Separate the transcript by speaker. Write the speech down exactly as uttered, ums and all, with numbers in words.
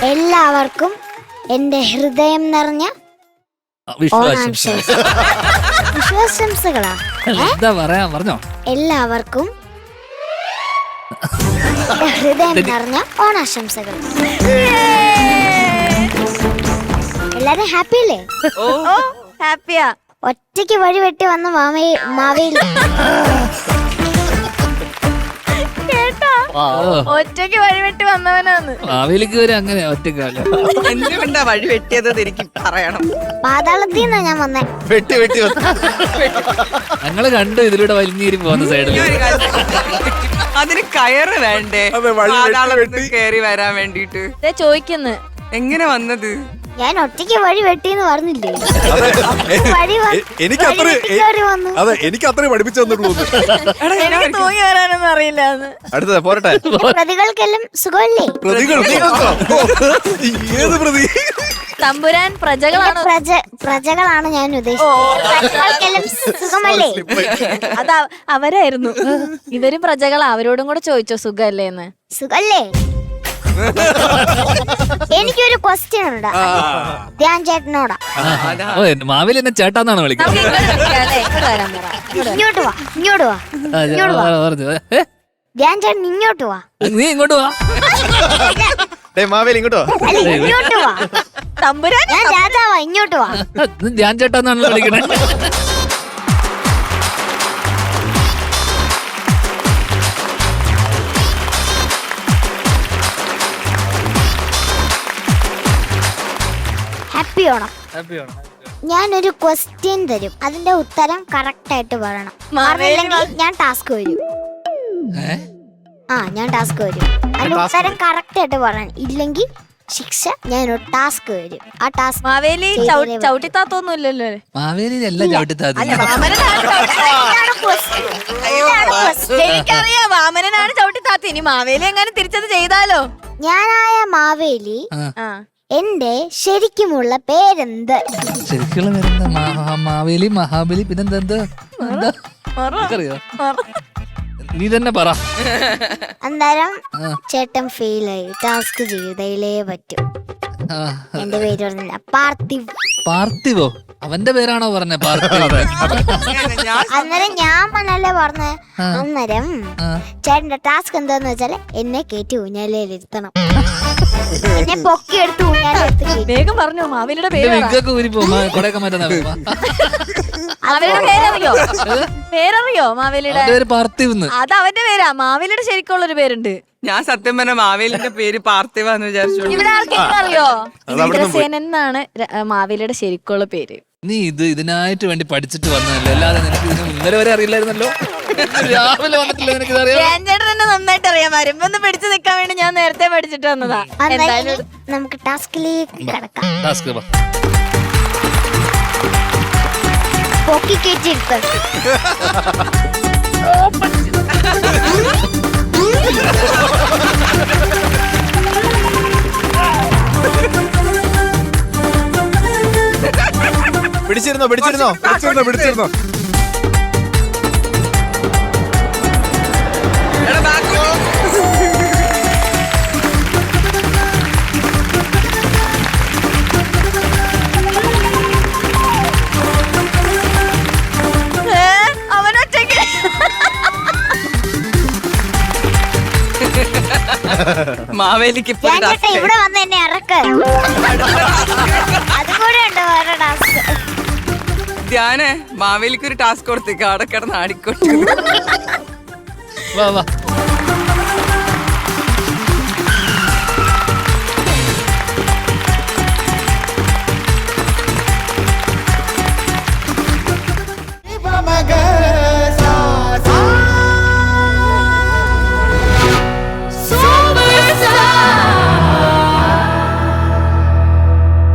Speaker 1: എല്ലാവർക്കും എന്റെ ഹൃദയം നിറഞ്ഞ
Speaker 2: വിശ്വാസം
Speaker 1: വിശ്വാസംസകളാ.
Speaker 2: എന്താ പറയാ പറഞ്ഞോ.
Speaker 1: എല്ലാവർക്കും എന്റെ ഹൃദയം നിറഞ്ഞ ഓണാശംസകൾ. എല്ലാരും ഹാപ്പി അല്ലേ?
Speaker 3: ഓ ഹാപ്പിയാ.
Speaker 1: ഒറ്റയ്ക്ക് വഴി വെട്ടി വന്ന മാവേ മാവേലി
Speaker 3: ഒറ്റയ്ക്ക് വഴിവെട്ടി വന്നവനാന്ന്.
Speaker 2: മാവേലിക്ക് വരെ അങ്ങനെ ഒറ്റക്കാല
Speaker 4: എന്തുകൊണ്ടാ വഴി വെട്ടിയത് എനിക്ക് പറയണം.
Speaker 1: പാതാളത്തിൽ നിന്നാ ഞാൻ വന്നേ.
Speaker 5: വെട്ടി വെട്ടി
Speaker 2: ഞങ്ങള് കണ്ടു ഇതിലൂടെ വലിഞ്ഞീരി പോകുന്ന സൈഡിൽ.
Speaker 4: അതിന് കയറ് വേണ്ടേ പാതാളത്തിൽ കയറി വരാൻ വേണ്ടിട്ട്?
Speaker 3: ചോദിക്കുന്നു
Speaker 4: എങ്ങനെ വന്നത്?
Speaker 1: ഞാൻ ഒറ്റയ്ക്ക് വഴി വെട്ടിന്ന് പറഞ്ഞില്ലേ? വഴി
Speaker 5: എനിക്ക് അത്ര അതെ എനിക്ക് അത്രേ പഠിപ്പിച്ചു തന്നിട്ടുള്ളൂ.
Speaker 3: എനിക്ക് തൂങ്ങി വരാനൊന്നും അറിയില്ല.
Speaker 5: അടുത്തത് പോരട്ടെ.
Speaker 1: പ്രതികൾക്കെല്ലാം സുഖമല്ലേ?
Speaker 5: പ്രതികൾ ഏത് പ്രതി?
Speaker 3: തമ്പുരാൻ പ്രജകളാണ്.
Speaker 1: പ്രജ പ്രജകളാണ് ഞാൻ ഉദ്ദേശിച്ചത്. പ്രതികൾക്കെല്ലാം സുഖമല്ലേ?
Speaker 3: അത് അവരായിരുന്നു. ഇവരും പ്രജകളാ. അവരോടും കൂടെ ചോദിച്ചോ സുഖല്ലേന്ന്.
Speaker 1: സുഖല്ലേ? എനിക്കൊരു ക്വസ്റ്റ്യൻ ഉണ്ട് ധ്യാൻ ചേട്ടനോടാ.
Speaker 2: മാവേലി എന്നെ ചേട്ടാന്നാണ് വിളിക്കുന്നത്.
Speaker 1: ഇങ്ങോട്ട് വാ ഇങ്ങോട്ട് വാ ഇങ്ങോട്ട് വാ. ധ്യാൻ ചേട്ടൻ ഇങ്ങോട്ട് വാ.
Speaker 2: നീ ഇങ്ങോട്ട് വാ.
Speaker 5: മാവേലി ഇങ്ങോട്ടോ.
Speaker 1: അല്ല ഇങ്ങോട്ട് വാ.
Speaker 3: തമ്പുരാൻ
Speaker 1: ഞാൻ രാജാവാ. ഇങ്ങോട്ട് വാ.
Speaker 2: ധ്യാൻ ചേട്ടാന്നാണ് വിളിക്കണേ.
Speaker 1: ഹാപ്പി ഓണം. ഞാനൊരു ക്വസ്റ്റ്യൻ തരും, അതിന്റെ ഉത്തരം കറക്റ്റ് ആയിട്ട് പറയണം. മാറില്ലെങ്കിൽ ഞാൻ ടാസ്ക് വരും. ആ ഞാൻ ടാസ്ക് വരും. അതിന്റെ ഉത്തരം കറക്റ്റ് ആയിട്ട് പറയണം. ഇല്ലെങ്കിൽ ശിക്ഷ ഞാൻ ഒരു ടാസ്ക് വരും. ആ ടാസ്ക്
Speaker 3: മാവേലി ചവിട്ടിത്താത്തൊന്നും ഇല്ലല്ലോ.
Speaker 2: മാവേലി എല്ലാം ചവിട്ടിത്താത്ത.
Speaker 3: എനിക്കറിയാം വാമനനാണ് ചവിട്ടിത്താത്ത. ഇനി മാവേലി എങ്ങനെ തിരിച്ചത് ചെയ്താലോ?
Speaker 1: ഞാനായ മാവേലി എന്റെ ശരിക്കുമുള്ള പേരെന്ത്?
Speaker 2: ശരിക്കുള്ള പേരെന്താ? മാവേലി, മഹാബലി, പിന്നെന്താ? അറിയോ? നീ തന്നെ പറ.
Speaker 1: അന്നേരം ചേട്ടൻ ഫെയിലായി. ടാസ്ക് ചെയ്തയിലേ പറ്റും. എന്റെ പേര് പറഞ്ഞില്ല. പാർത്ഥിവ്.
Speaker 2: പാർത്ഥിവോ? അവന്റെ പേരാണോ പറഞ്ഞ? പാർത്ഥിവ്.
Speaker 1: അന്നേരം ഞാൻ പറഞ്ഞല്ലേ പറഞ്ഞ. അന്നേരം ചേട്ടന്റെ ടാസ്ക് എന്താന്ന് വെച്ചാല് എന്നെ കയറ്റി ഊഞ്ഞാലിരുത്തണം. എന്നെ പൊക്കി എടുത്ത് ഊഞ്ഞാലെടുത്ത്
Speaker 3: വേഗം പറഞ്ഞു. മാവേലിയുടെ പേര്
Speaker 2: കൊടയൊക്കെ മാറ്റാ.
Speaker 3: അവരുടെ പേരറിയോ? പേരറിയോ മാവേലിയുടെ?
Speaker 2: പേര് പാർത്ഥിവ്.
Speaker 3: അത് അവന്റെ പേരാ. മാവേലിയുടെ ശരിക്കുള്ളൊരു പേരുണ്ട്.
Speaker 4: ഞാൻ സത്യം പറഞ്ഞ മാവേലിന്റെ പേര് പാർത്ഥിവാന്ന് വിചാരിച്ചു.
Speaker 3: ഇവിടെ ആർക്കെങ്കിലും അറിയോ? ഇന്ദ്രസേനൻ എന്നാണ് മാവേലിയുടെ ശരിക്കുള്ള പേര്.
Speaker 2: നീ ഇത് ഇതിനായിട്ട് വേണ്ടി പഠിച്ചിട്ട് വന്നതല്ലേ, അല്ലാതെ നിനക്ക് ഇതിന് ഇന്നലെ വരെ അറിയില്ലായിരുന്നല്ലോ. രാവിലെ വന്നിട്ടില്ല നിനക്ക്
Speaker 3: ചേട്ടൻ തന്നെ നന്നായിട്ട് അറിയാം. വരുമ്പൊന്ന് പിടിച്ചു നിക്കാൻ വേണ്ടി ഞാൻ നേരത്തെ പഠിച്ചിട്ട് വന്നതാ.
Speaker 1: എന്തായാലും നമുക്ക് ടാസ്കിലേക്ക് കടക്കാം. പൊക്കി കയറ്റിയെടുത്ത്
Speaker 5: പിടിച്ചിരുന്നോ പിടിച്ചിരുന്നോ പിടിച്ചിരുന്നോ പിടിച്ചിരുന്നോ
Speaker 4: മാവേലിക്ക്
Speaker 1: ഇവിടെ വന്ന് എന്നെ ഇറക്ക്. അതുകൂടെ ഉണ്ട് വേറെ ടാസ്ക്.
Speaker 4: ധ്യാനെ മാവേലിക്ക് ഒരു ടാസ്ക് കൊടുത്തേക്ക്. അവിടെ കിടന്ന് ആടിക്കോട്ടെ.
Speaker 2: വാ വാ.